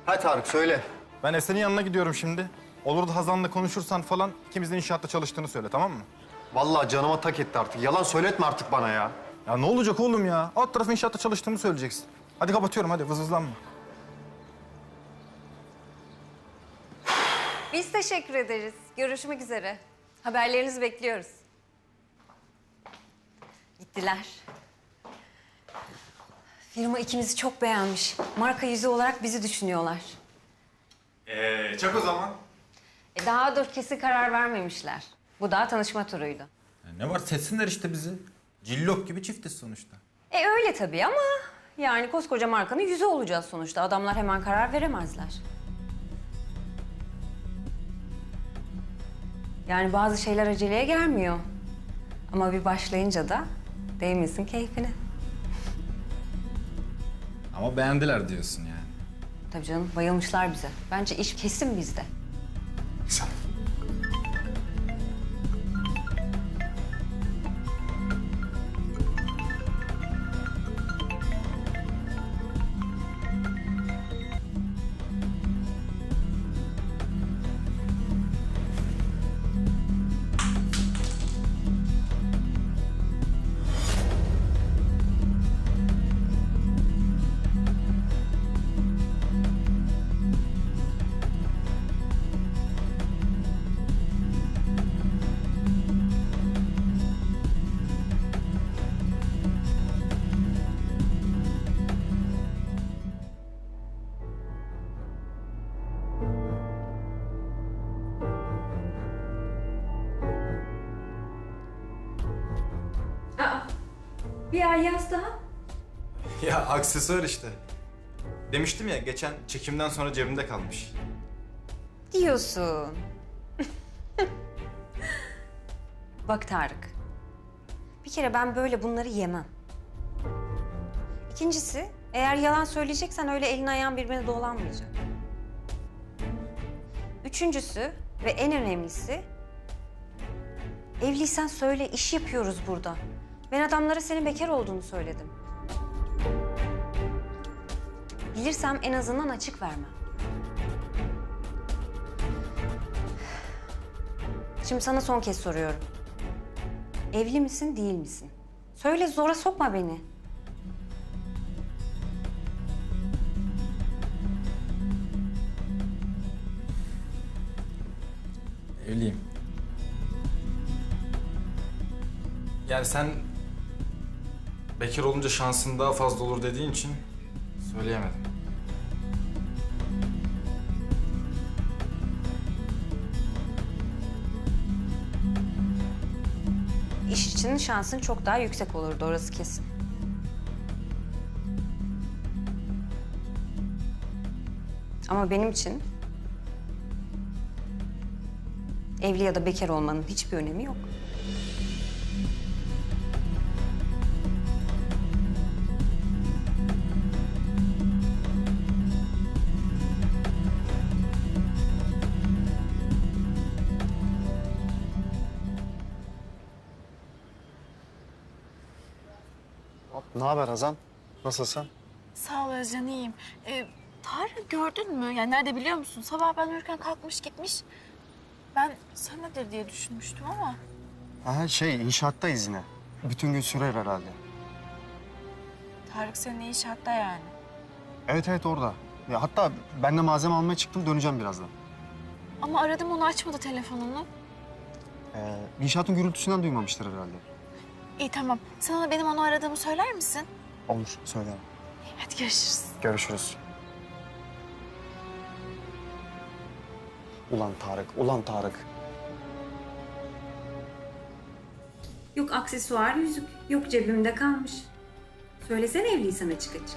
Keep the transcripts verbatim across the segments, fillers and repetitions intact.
Ha Tarık söyle. Ben Esen'in yanına gidiyorum şimdi. Olur da Hazan'la konuşursan falan ikimizin inşaatta çalıştığını söyle, tamam mı? Vallahi canıma tak etti artık. Yalan söyletme artık bana ya. Ya ne olacak oğlum ya? Alt tarafı inşaatta çalıştığımı söyleyeceksin. Hadi kapatıyorum, hadi vızvızlanma. Biz teşekkür ederiz. Görüşmek üzere. Haberlerinizi bekliyoruz. Gittiler. Firma ikimizi çok beğenmiş. Marka yüzü olarak bizi düşünüyorlar. Ee, çak o zaman. E daha dur kesin karar vermemişler. Bu daha tanışma turuydu. Ya ne var, seçsinler işte bizi. Cillop gibi çiftiz sonuçta. E öyle tabii ama yani koskoca markanın yüzü olacağız sonuçta. Adamlar hemen karar veremezler. Yani bazı şeyler aceleye gelmiyor. Ama bir başlayınca da değmesin keyfine. Ama beğendiler diyorsun yani. Tabii canım, bayılmışlar bize. Bence iş kesin bizde. Güzel. Bir ay yaz daha. Ya aksesuar işte. Demiştim ya, geçen çekimden sonra cebimde kalmış. Diyorsun. Bak Tarık. Bir kere ben böyle bunları yemem. İkincisi, eğer yalan söyleyeceksen öyle elin ayağın birbirine dolanmayacak. Üçüncüsü ve en önemlisi... evliysen söyle, iş yapıyoruz burada. Ben adamlara senin bekar olduğunu söyledim. Bilirsem en azından açık vermem. Şimdi sana son kez soruyorum. Evli misin, değil misin? Söyle, zora sokma beni. Evliyim. Yani sen bekar olunca şansın daha fazla olur dediğin için söyleyemedim. İş için şansın çok daha yüksek olurdu, orası kesin. Ama benim için evli ya da bekar olmanın hiçbir önemi yok. Ne haber Hazan? Nasılsın? Sağ ol Özcan, iyiyim. Ee, Tarık gördün mü? Yani nerede biliyor musun? Sabah ben uyurken kalkmış gitmiş. Ben senedir diye düşünmüştüm ama. Ha şey inşaattayız yine. Bütün gün sürer herhalde. Tarık senin inşaatta yani. Evet evet orada. Ya hatta ben de malzeme almaya çıktım, döneceğim birazdan. Ama aradım, onu açmadı telefonunu. Ee, inşaatın gürültüsünden duymamıştır herhalde. İyi tamam. Sana benim onu aradığımı söyler misin? Olur, söylerim. Hadi görüşürüz. Görüşürüz. Ulan Tarık, ulan Tarık. Yok aksesuar, yüzük. Yok cebimde kalmış. Söylesene evliysen açık açık.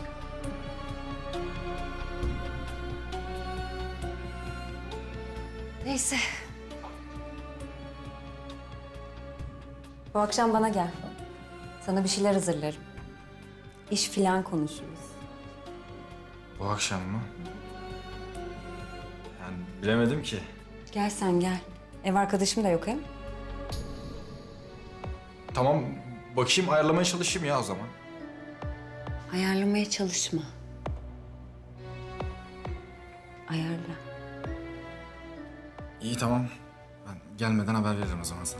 Neyse. Bu akşam bana gel. Sana bir şeyler hazırlarım. İş filan konuşuruz. Bu akşam mı? Yani bilemedim ki. Gel sen gel. Ev arkadaşım da yok hem. Tamam, bakayım ayarlamaya çalışayım ya o zaman. Ayarlamaya çalışma. ayarla. İyi tamam. Ben gelmeden haber veririm o zaman sana.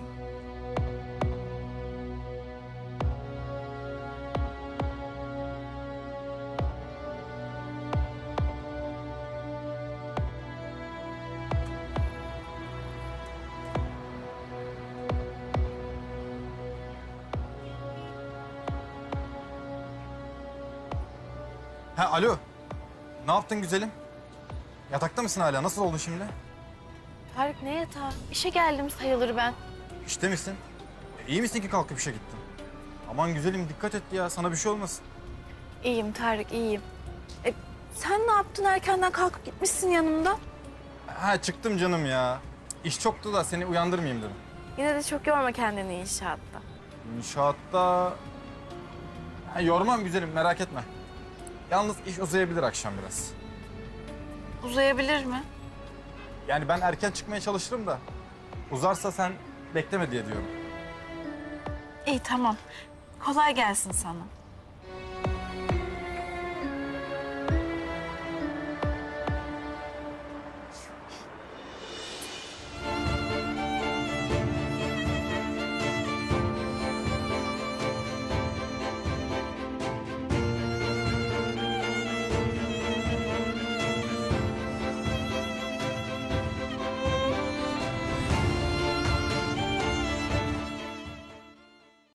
Ha alo. Ne yaptın güzelim? Yatakta mısın hala? Nasıl oldun şimdi? Tarık ne yatağı? İşe geldim sayılır ben. İşte misin? E, iyi misin ki kalkıp işe gittin? Aman güzelim dikkat et ya. Sana bir şey olmasın. İyiyim Tarık, iyiyim. E, sen ne yaptın? Erkenden kalkıp gitmişsin yanımda. Ha çıktım canım ya. İş çoktu da seni uyandırmayayım dedim. Yine de çok yorma kendini inşaatta. İnşaatta... Ha, yormam güzelim merak etme. Yalnız iş uzayabilir akşam biraz. Uzayabilir mi? Yani ben erken çıkmaya çalışırım da... Uzarsa sen bekleme diye diyorum. İyi tamam. Kolay gelsin sana.